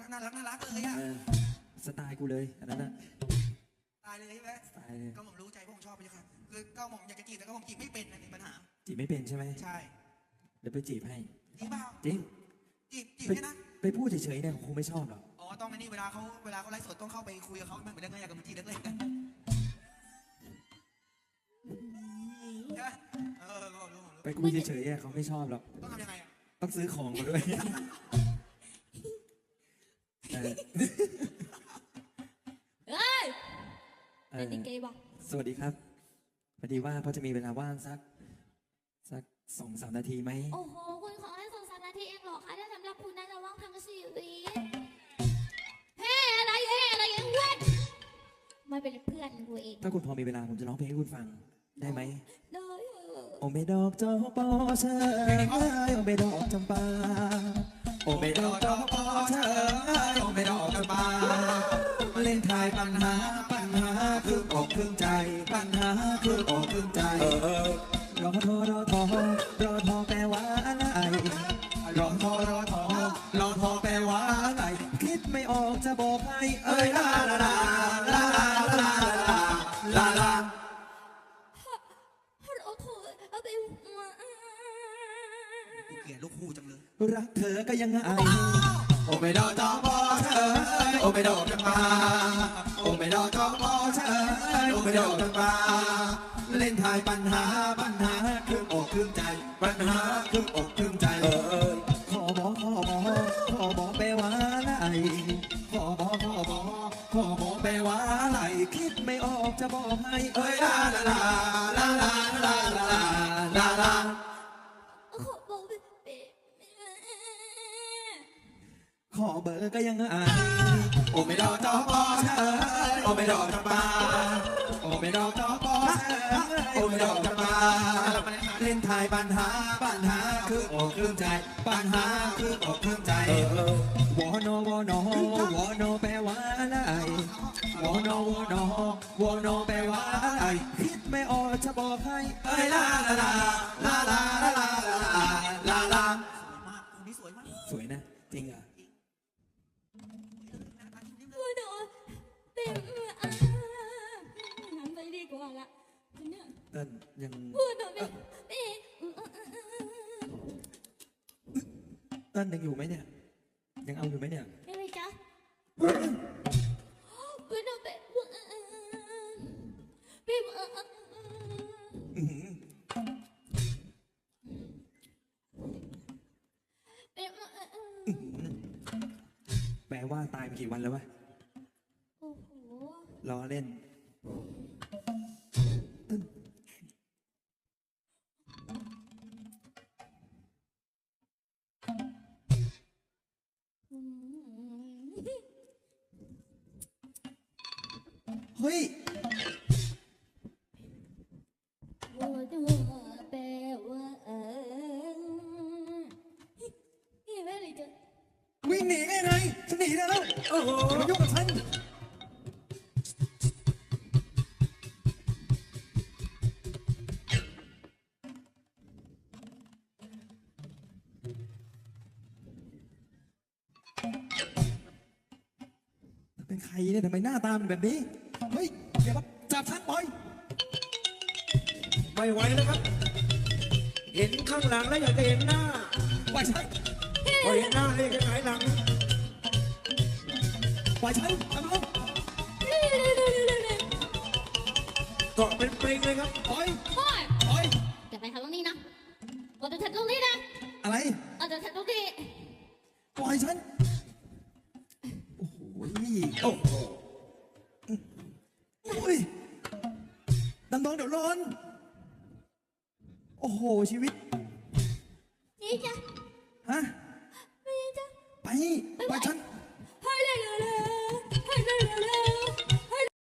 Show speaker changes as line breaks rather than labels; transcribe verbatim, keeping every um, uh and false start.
น่ารักน่ารักเลยอะ
สไตล์กูเลยอันนั้นนะ
ตายเลยใช่ไหม
ตายเลย
ก็ผมรู้ใจพวกผมชอบไปเลยครับคือก็ผมอยากจะจีบแต่ก็ผมจีบไม่เป็นนะมีปัญหา
จีบไม่เป็นใช่ไหม
ใช่
เดี๋ยวไปจีบให้
จริงเปล่า
จริง
จีบจีบแค่นั้น
ไปพูดเฉยๆเนี่ยคงไม่ชอบหรอก
อ๋อต้องในนี่เวลาเขาเวลาเขาไลฟ์สดต้องเข้าไปคุยกับเขาเหมือนเดิมอยากกับมันจีบเล็กๆกัน
ไปคุยเฉยๆเขาไม่ชอบหรอก
ต้องทำยังไงอ่ะ
ต้องซื้อของมาด้วย
เฮ้ยเป็นยังไงบ้าง
สวัสดีครับพอดีว่าพอจะมีเวลาว่างสักสักสองสามนาทีไหม
โอ้โหคุณขอให้สองสามนาทีเองหรอคะถ้าสำหรับคุณน่าจะว่างทั้งชีวิตเฮ้อะไรเฮ้อะไรเองเว้ยไม่เป็นเพื่อนกูเอง
ถ้าคุณพอมีเวลาผมจะร้องเพลงให้คุณฟังได้ไหม
ได้
โอเมดอกจอปอเชยโอเมดอกจำปาโอเมดอกจอปอเชยโอเมดอกจำปาเล่นทายปัญหาปัญหาคืออกคือใจปัญหาคืออกคือใจรอทอรอทอรอทอแปลว่าอะไรรอทอรอทอรอทอแปลว่าอะไรคิดไม่ออกจะบอกให้เอ้ยลาลาลาลาลาลาลาลา
เกลียดลูกคู่จังเลย
รักเธอก็ยังไงโอไม่ดอกจอปอเธอโอไม่ดอกจังมาโอไม่ดอกจอปอเธอโอไม่ดอกจังมาเล่นทายปัญหาปัญหาคืออกคือใจปัญหาคืออกคือใจเออขอบอกขอบอกขอบอกแปลว่าอะไรขอบอกขอบอกขอบอกแปลว่าอะไรคิดไม่ออกจะบอกให้เอ้ยลาลาลาลาลาลาลาลาลาขอเบอร์ก็ยังอ่านโอไม่ดอกจอปอเธอโอไม่ดอกจำปาโอไม่ดอกจอปอเธอโอไม่ดอกจำปาเล่นทายปัญหาปัญหาคืออกคือใจปัญหาคืออกคือใจวอนอวอนอวอนอแปลว่าอะไรวอนอวอนอวอนอแปลว่าอะไรคิดไม่ออกจะบอกให้เอ้ยลาลาลาลาลาลาลาลาลา
คนนี้สวยมาก
สวยนะจริงอ่ะ
ไปดีกว่าละ
เต้นยัง
พูดหน่อย
เต้นยังอยู่ไหมเนี่ยยังเอาอยู่ไหมเนี่ย
ไม่ไปจ้ะพูดหน่อยไปพี่
แปลว่าตายมากี่วันแล้ววะ
โอ้โห
ล้อเล่นเฮ้ย
แปลว่าเออนี่แม่เลยจ้ะ
วิ่งหนีได้ไงฉันหนีแล้วโอ้โหมายุ่งกับฉันเป็นใครเนี่ยทำไมหน้าตาเป็นแบบนี้เฮ้ยอย่ามาจับฉันปล่อย
ไม่ไหวแล้วครับเห็นข้างหลังแล้วอยากจะเห็นหน้า
ปล่อยฉัน
พอเห็นหน้าเรียกจะหงายหลัง
ปล่อยฉันทำไม
เกาะเป็นปริงเลยครับ
ปล่อย
ปล่อย
ปล่อย
จะไปทางตรงนี้นะเราจะแทงตรงนี้นะ
อะไร
เราจะแทงตรงนี้
ปล่อยฉันโอ้โหโอ้โหโอ้ยดำดองเดี๋ยวร้อนโอ้โหชีวิต
นี่จ้ะ
ฮะ
นี่จ้ะ
ไป